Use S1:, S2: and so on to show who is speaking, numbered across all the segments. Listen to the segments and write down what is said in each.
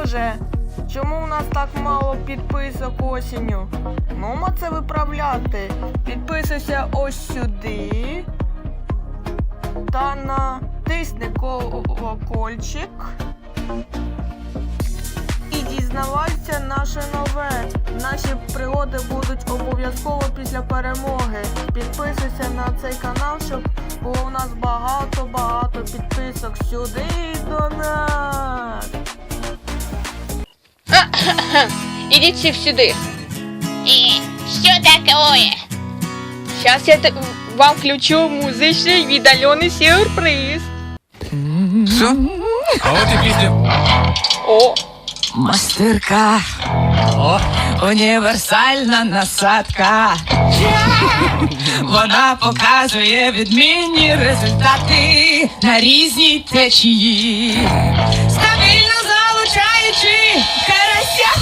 S1: Боже, чому у нас так мало підписок осінню? Нумо це виправляти. Підписуйся ось сюди. Та натисни колокольчик. І дізнавайся наше нове. Наші пригоди будуть обов'язково після перемоги. Підписуйся на цей канал, щоб було у нас багато підписок. Сюди до нас.
S2: Ідіть всі сюди.
S3: І що таке?
S2: Зараз я вам включу музичний віддалений сюрприз.
S4: Що? А от і пісня.
S2: О,
S5: Мастерка, універсальна насадка. Вона показує відмінні результати на різній течії, стабільно залучаючи карася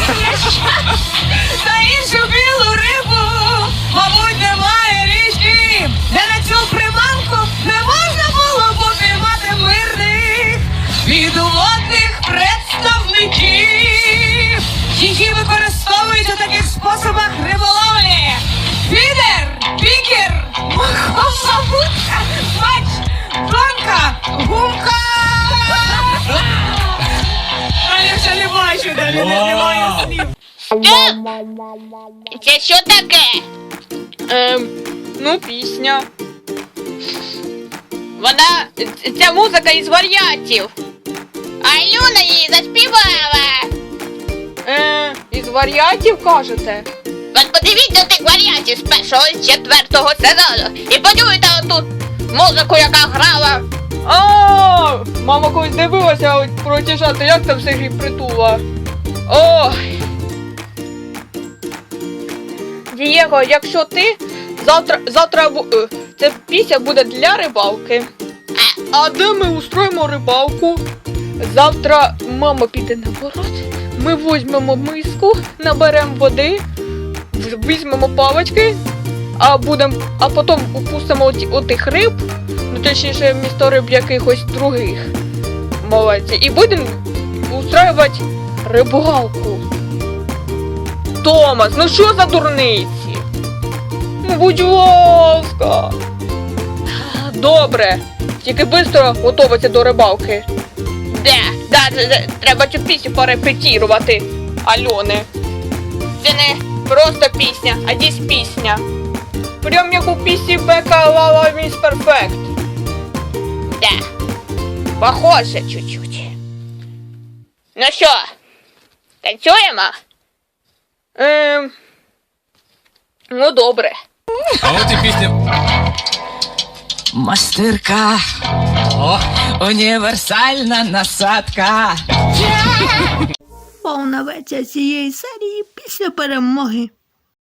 S5: та іншу білу рибу. Мабуть, немає річки, де на цю приманку не можна було попіймати мирних підводних представників, які використовують у таких способах риболовлі. Фідер, пікер, махова вудка, бач, банка, гумка. А я ще не бачу, далі немає слів.
S3: Це що таке?
S2: ну пісня. Ця музика із варіатів.
S3: Альона її заспівала.
S2: Із варіатів кажете?
S3: От подивіться тих варіантів з першого і четвертого сезону. І почуйте отут музику, яка грала.
S2: А, мама колись дивилася про тішати, як там все грі притула. Ой. Дієго, якщо ти завтра ця пісня буде для рибалки. А де ми устроїмо рибалку? Завтра мама піде на город, ми візьмемо миску, наберемо води, візьмемо палички, а потім упустимо отих риб, ну точніше вмісто риб якихось других. Молодці. І будемо устраювати рибалку. Томас, ну що за дурниці? Ну, будь ласка. Добре. Тільки швидко готуватися до рибалки. Да, треба цю пісню порепетірувати, Альони. Це не просто пісня, а дійсно пісня. Прям як у пісні Бека Лала Міс Перфект.
S3: Да.
S2: Похоже чуть-чуть.
S3: Ну що, танцюємо?
S2: Ну добре.
S4: А от і пісня.
S5: Мастерка, універсальна насадка.
S6: Повна версія цієї серії після перемоги.